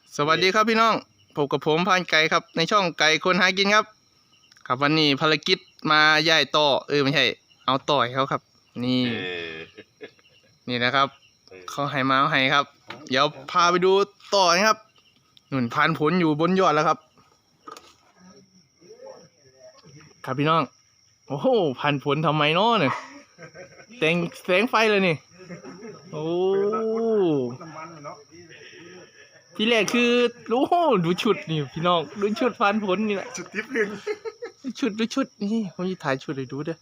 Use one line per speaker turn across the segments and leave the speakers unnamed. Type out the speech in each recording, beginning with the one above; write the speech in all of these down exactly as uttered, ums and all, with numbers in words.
สวัสดีครับพี่น้องพบกับผมพานไก่ครับในช่องไก่คนหากินครับครับวันนี้ภารกิจมาย่ายต่อเออไม่ใช่เอาต่อยเขาครับนี่นี่นะครับเขาให้มาเอาให้ครับเดี๋ยวพาไปดูต่อนะครับหนุนพันผลอยู่บนยอดแล้วครับครับพี่น้องโอ้โหพันผลทำไมเนาะเนี่ยแสงแสงไฟเลยนี่โอ้ที่แรกคือโอ้ดูชุดนี่พี่น้องดูชุดพันผลนี่แหละชุดทิพย์หนึ่งชุดดูชุดนี่ผมจะถ่ายชุดให้ดูเด้อ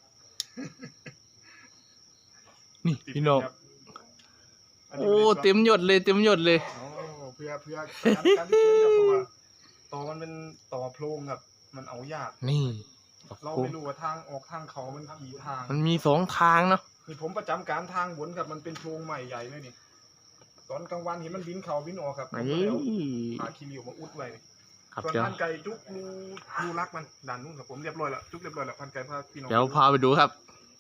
นี่พี่น้องโอ้เต็มยศเลยเต็มยศเลย
เพื่อเพื่อการที่เชื่อมกับตัวต่อมันเป็นต่อโพรงครับมันเอายาก
นี่
เราไม่รู้ว่าทางออกทางเขามันกี่ทาง
มันมีสองทางเนาะ
นี่ผมประจำการทางบนครับมันเป็นโพรงใหม่ใหญ่เลยนี่ตอนกลางวันเห็นมันบินเขาบินออกครับผมก็เลยเอาพาคีริวมาอุดไว้ส่วนพันไก่จุกรูรูรักมันด่านนู้นครับผมเรียบร้อยแล้วจุกเรียบร้อยแล้วพันไก่พาพี่น้อง
เดี๋ยวพาไปดูครับ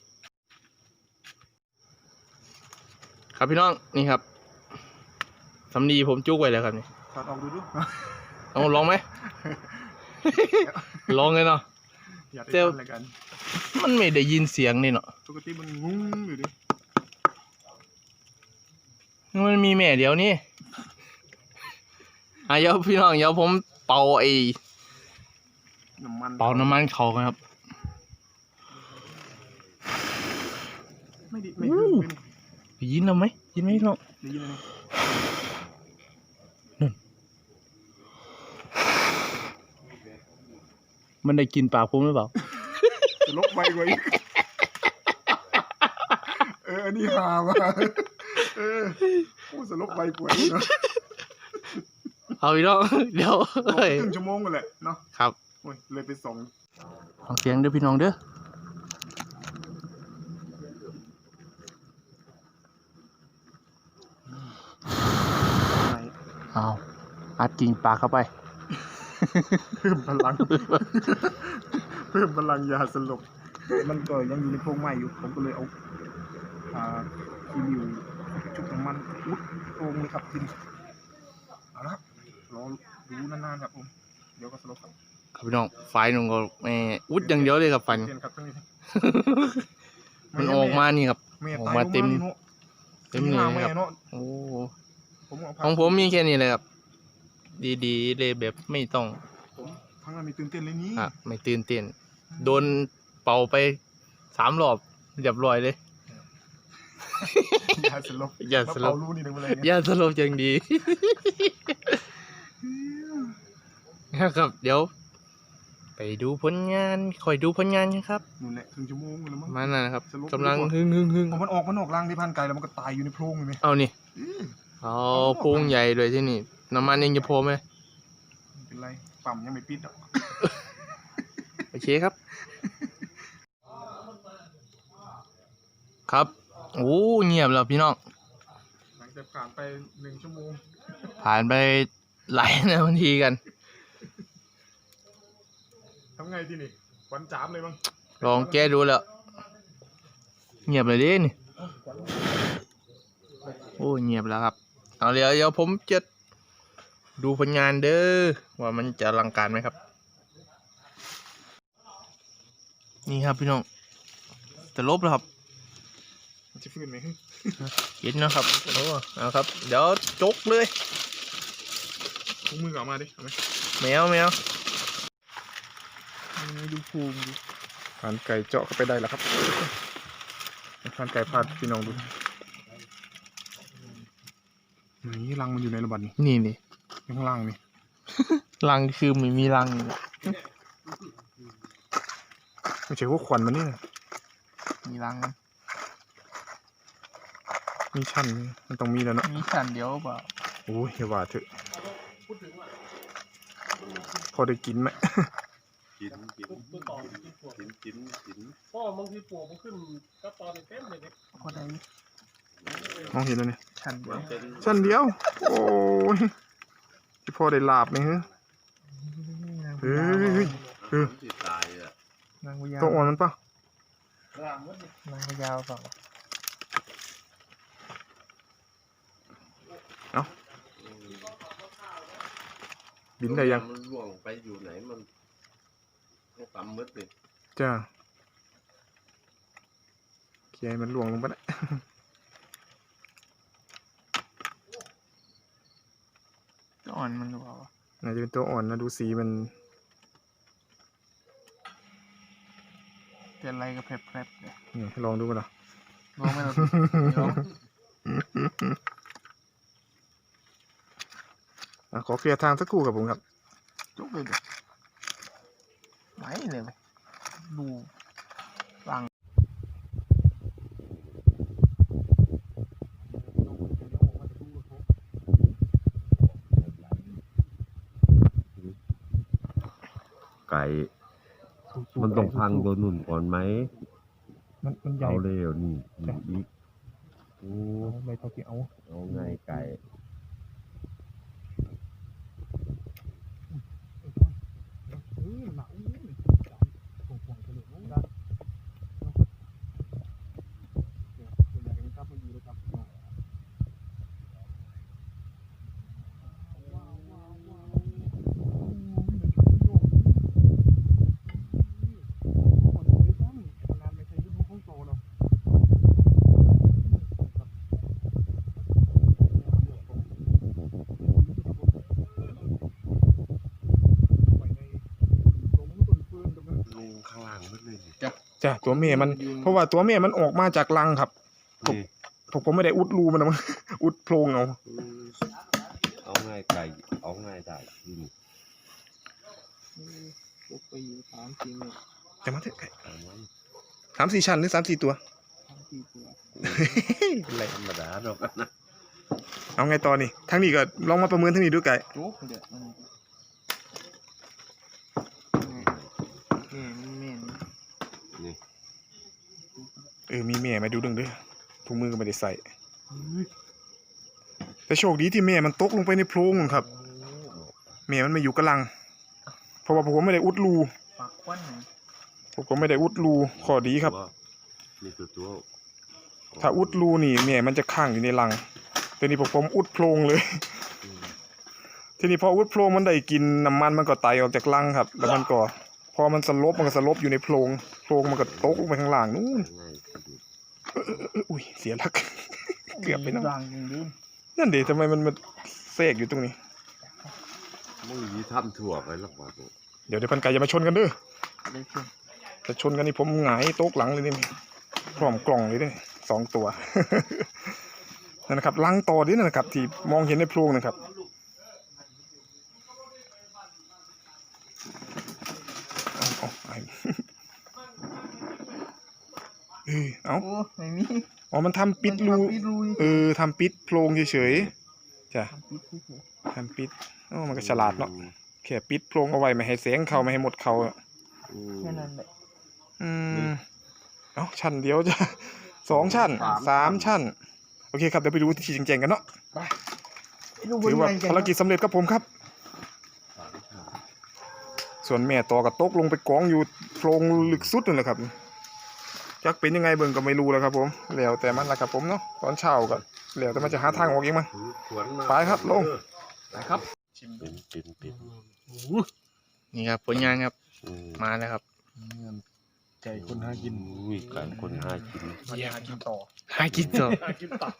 ครับพี่น้องนี่ครับสำลีผมจุกไว้แล้วครับนี่
ถอดออกดูดู
เอาลองไหมลองเลยเนาะ
เจ้า
มันไม่ได้ยินเสียงนี่เนาะ
ปกติมันงุ้งอยู่ดิ
มันมีแม่เดียวนี่อ่ะเดี๋ยวพี่น้องเดี๋ยวผมเป่าไอ้
น้ำมัน
เป่าน้ำมันเขาครับ
ไม่ดีไม่
ดียินเราไหมยินไหมน้อง
ได้ยินไหม
นั่นมันได้กินปากผมหรือเปล่า
จะลบไปกว่าอีกเอออันนี้หามาเออพูดสลบไปกว่าเนาะ
เอาอีกแล้วเดี๋ยว
ครึ่งชั่วโมงกันแหละเนาะ
ครับ
โอ้ยเลยไปสอง
ฟังเสียงเด้อพี่น้องเด้อเอาอัดกิ่งปากเข้าไป
เพิ่มพลังเพิ่มพลังยาสลบมันก็ยังอยู่ในโพรงไม้อยู่ผมก็เลยเอาอ่าคีริวจุกน้ำมันอุดโพรงเลยครับทีนี้เอาละครับรอดูนานๆครับผมเดี๋ยวก็สลบครับ
ครับพี่น้องไฟนุ่งก็ไม่อุดอย่างเดียวเลยครับไฟมันออกมานี่ครับออกมาเต็มเต็มเลยครับโอ้ของผมมีแค่นี้เลยครับดีๆเลยแบบไม่ต้อง
ทั้งนั้นไม่ตื่นเต้นเลยนี่
อ่ะไม่ตื่นเต้นโดนเป่าไปสามรอบเรียบร้อยเลย
ยาสลบ
ยาสลบยาสลบจังดีครับเดี๋ยวไปดูผลงานคอยดูผลงานครับ
นู่นแหละครึ่งชั่วโมงแล้วมั้ง
มาน่ะครับกำลังฮึ่งฮึ่งฮึ่ง
มันออกมันออกรังที่พันไก่แล้วมันก็ตายอยู่ในโพรงเลยไหม
เอานี่เอาโพรงใหญ่เลยที่นี่น้ำมันยังจะโผล่ไหม
เป็นไรปั๊มยังไม่ปิดอ่ะ
โอเคครับครับโอ้เงียบแล้วพี่น้อง
หลังจากผ่านไปหนึ่งชั่วโมง
ผ่านไปหลายนาทีกัน
ทำไงที่นี่วันจามเลยมั้ง
ลองแก้ดูแล้วเงียบเลยดินี่โอ้เงียบแล้วครับเอาเดี๋ยวเดี๋ยวผมจะดูผลงานเด้อว่ามันจะอลังการไหมครับนี่ครับพี่น้องจะลบแล้วครับ
จะฟื้นไหม
เห็นนะครับโอ้เอาครับเดี๋ยวจกเลย
ถุงมือออกมาดิเอาไหม
แมวแมว
ดูภูมิดูผ่านไก่เจาะเข้าไปได้แล้วครับผ่านไก่พาดพี่น้องดูนี่รังมันอยู่ในระบาดนี่
นี่นี่
ข้างล่างนี่
รังคือไม่มีรัง
ไม่ใช่พวกควันมันนี่
มีรัง
มีชั้นมันต้องมีแล้วเนาะ
มีชั้นเดียวเปล่า
โอ้ยอย่าว่าเถอะพอได้กินไหม
กินกินกินกินกิน
พ่อบางทีปวกมันขึ้นก็ตอนเต็มเลย
พอได้
มองเห็นแล้วเนี่ย
ชั้นเดียว
ชั้นเดียวโอ้ยที่พ่อได้ลาบไหมฮะเฮ้ยเออต้องอ่อนมันปะ
นางยาวเปล่า
เอาบินได้ยัง
มันล่วงไปอยู่ไหนมันต้องตำมืดเลย
จ้าเคลียร์ให้มันหลวงลงไปนะ
อ่อนมันหรือเปล่า
น่าจะเป็นตัวอ่อนนะดูสีมัน
เป็นอะไรก็แผลบๆเลย
นี่ลองดูกันเหรอ
ลองไหมล่ะลอง
อ่ะขอเคลียร์ทางสักครู่ครับผมครับ
จุกเลยเดี๋ยวไหนเลยไปดูฟัง
ไก่มันต้องพังตัวนุ่นก่อนไหม
มันมันใหญ่
เอาเร็วนี่นี่อีกโอ้
เอาไม่เท่าที่เอา
เอาไงไก่
เออหนาวห่วงห่วงกันเลยนะ
ลงข้างล่างมืดเลยนี่
จ้ะตัวเมียมันเพราะว่าตัวเมียมันออกมาจากรังครับ
นี่
ผมก็ไม่ได้อุดรูมันนะมั้ง อุดโพรงเอา
เอาไงไก่เอาไงได้นี่
จุกไปอยู่สามสี่เมตร
แต่มาเถอะ
เอาไว้
สามสี่ชั้นหรือสามสี่ตัว
สามสี่ตัว
อะไร
ธรรมดาดอกนะ
เอาไงต่อนี่ทั้งนี้ก็ลองมาประเมินทั้งนี้ดูไก่
จุกเดี๋ยวมันนี่นี่แม่น
นี่
เออมีแม่มาดูดึงเด้อถุงมือก็ไม่ได้ใส่แต่โชคดีที่แม่มันตกลงไปในโพรงครับแม่มันไม่อยู่กระลัง เพราะว่าผมไม่ได้อุดรู
ปากควันไหน
ผมก็ไม่ได้อุดรูข้อดีครับ
นี่คือตัว
ถ้าอุดรูนี่แม่มันจะค้างอยู่ในรังแต่นี่ผมอุดโพรงเลย
อืม
ทีนี้พออุดโพรงมันได้กินน้ำมันมันก็ไตออกจากรังครับ แล้วมันก็พอมันสลบมันก็สลบอยู่ในโพรงโพรงมันก็ตกลงไปข้างล่างนู่น
เอาไงก็ดู
อุ้ยเสียหลัก เกือบไปแล้ว
ดังจริงดิ
นั่นเดี๋ยวทำไมมันมาแทรกอยู่ตรงนี้
มึงยีทำถั่วไปแล้วว่าตัว
เดี๋ยวเดี๋ยวพันไก่อย่ามาชนกันเด้อ
ได้ขึ้น
ถ้าชนกันนี่ผมหงายโต๊ะหลังเลยนี่พร้อมกล่องเลยเด้อสองตัว นั่นนะครับลังต่อนี่นะครับ ที่มองเห็นในโพรงนะครับเอาเอาไอ้ เออเอา
โอ้ไม่มี
อ๋อมันทำปิดรู
มันทำปิดรู
เออทำปิดโพรงเฉยๆจ้ะ
ทำปิดเฉย
ทำปิดโอ้มันก็ฉลาดเนาะแค่ปิดโพรงเอาไว้ไม่ให้แสงเข้าไม่ให้หมดเข้าอะ
อืม
ๆแค่นั้นแหละ
อืมเอ้าชั้นเดียวจ้ะ สองชั้นสามชั้น โอเคครับเดี๋ยวไปดูที่จริงๆกันเนาะ
ดูบ
ถื
น
อว่า
ไงกัน
ภารกิจสำเร็จครับผมครับ ส่วนแม่ต่อกับตกลงไปกองอยู่โพรงลึกสุดนั่นแหละครับจักเป็นยังไงเบิ่งก็ไม่รู้แล้วครับผมแล้วแต่มันละครับผมเนาะตอนเช้าก็แล้วแต่มันจะหาทางออกเองมั้ง
ถือขวานมา
ไปครับลง
นะครับ
เป็นเป็นเป็น
นี่ครับผลงานครับ
อืม
มาแล้วครับ
ไก่คนหากิน
อุ้ยไก่คนหากิน
มันหากินต่อ
หากินต่อ
หากินต่อ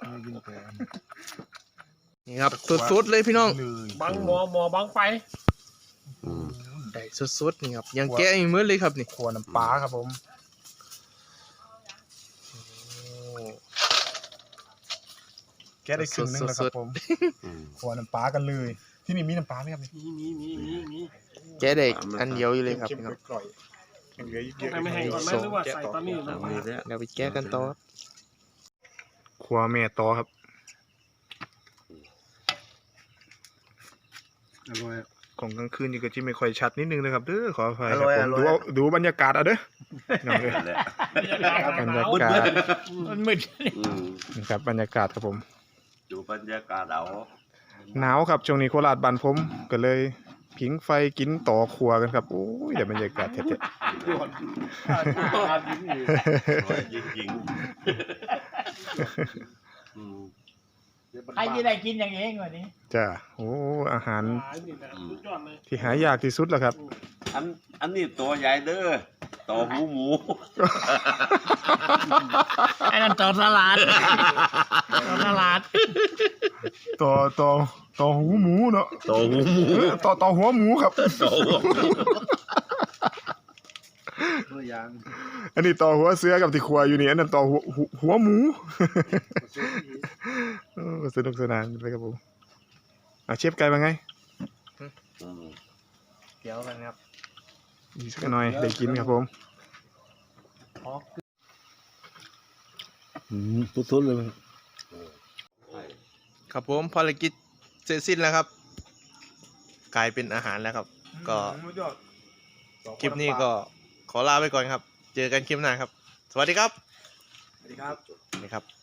นี่ครับสุดๆเลยพี่น้อง
เลย
บังหมอหมอบังไฟ
อืม
ได้สุดๆนี่ครับยังแกะอีกมื้อเลยครับนี่
ขัวน้ำปลาครับผมแกะได้ครึ่งหนึงแล้วครับผม
อืม
ขัวน้ำปลากันเลย ที่นี่มีน้ำปลาไหมครับนี่
มีมีมีมีมี
แกะได้อันเดียวอยู่เลยครับ
เค็ม
พี่น้อง
ๆกร่อยๆยังเหลืออีกเยอะ
ให้ไม่ให้ก่อนไหมหรือว่าใส่ตอนนี้หรือ
เอา
ว่า
มีแล้ว
เดี๋ยวไปแกะกันต่อครับ
ขัวแม่ต่อครับ
อร่อย
ของกลางคืนนี่ก็จะไม่ค่อยชัดนิดนึงนะครับเด้อขออภัย
อ
ค
ร่
รับ
อย
ผม
อร่อย
ดูเอาดูบรรยากาศเอาเด้อน้องเอ้ย
นั่นแหละ
บรรยากาศ
มันมืด
อืม
นี่ครับบรรยากาศครับผม
ดูบรรยากาศเอา
หนาวครับช่วงนี้โคราชบ้านผมก็เลยผิงไฟกินต่อครัวกันครับโอ้ยเดี๋ยวบรรยากาศเท่
ด่วนการยิ้มอยู่
อร่อยจริงๆอืม
เดี๋ยว
ใครจะได้กินอย่างเองวันนี้
จ้าโอ้อาหาร
หายนี่นะสุดยอดเลย
ที่หายากที่สุดแล้วครับ
อันอันนี้ตัวใหญ่เด้อตัวหูหมู
ไอ้นั่นต่อตลาดต่อตลาด
ต่อต่อต่อหูหมูเนาะ
ตัวหูหมู
เออต่อต่อหัวหมูครับ
ตัวหัวหมู
ตัวอย่าง
อันนี้ต่อหัวเสือกับที่ครัวอยู่นี่อันนั้นต่อหัวหัวหัวหมูเออสนุกสนานเลยครับผมอ่ะเชฟไก่เป็นไง
อืม
เกี่ยวกันครับ
อีกสักหน่อยได้กินครับผม
สุดๆเลย
ครับผมภารกิจเสร็จสิ้นแล้วครับ กลายเป็นอาหารแล้วครับ ก็คลิปนี้ก็ขอลาไปก่อนครับ เจอกันคลิปหน้าครับ สวัสดีครับ
สวัสดีครับ
นี่ครับ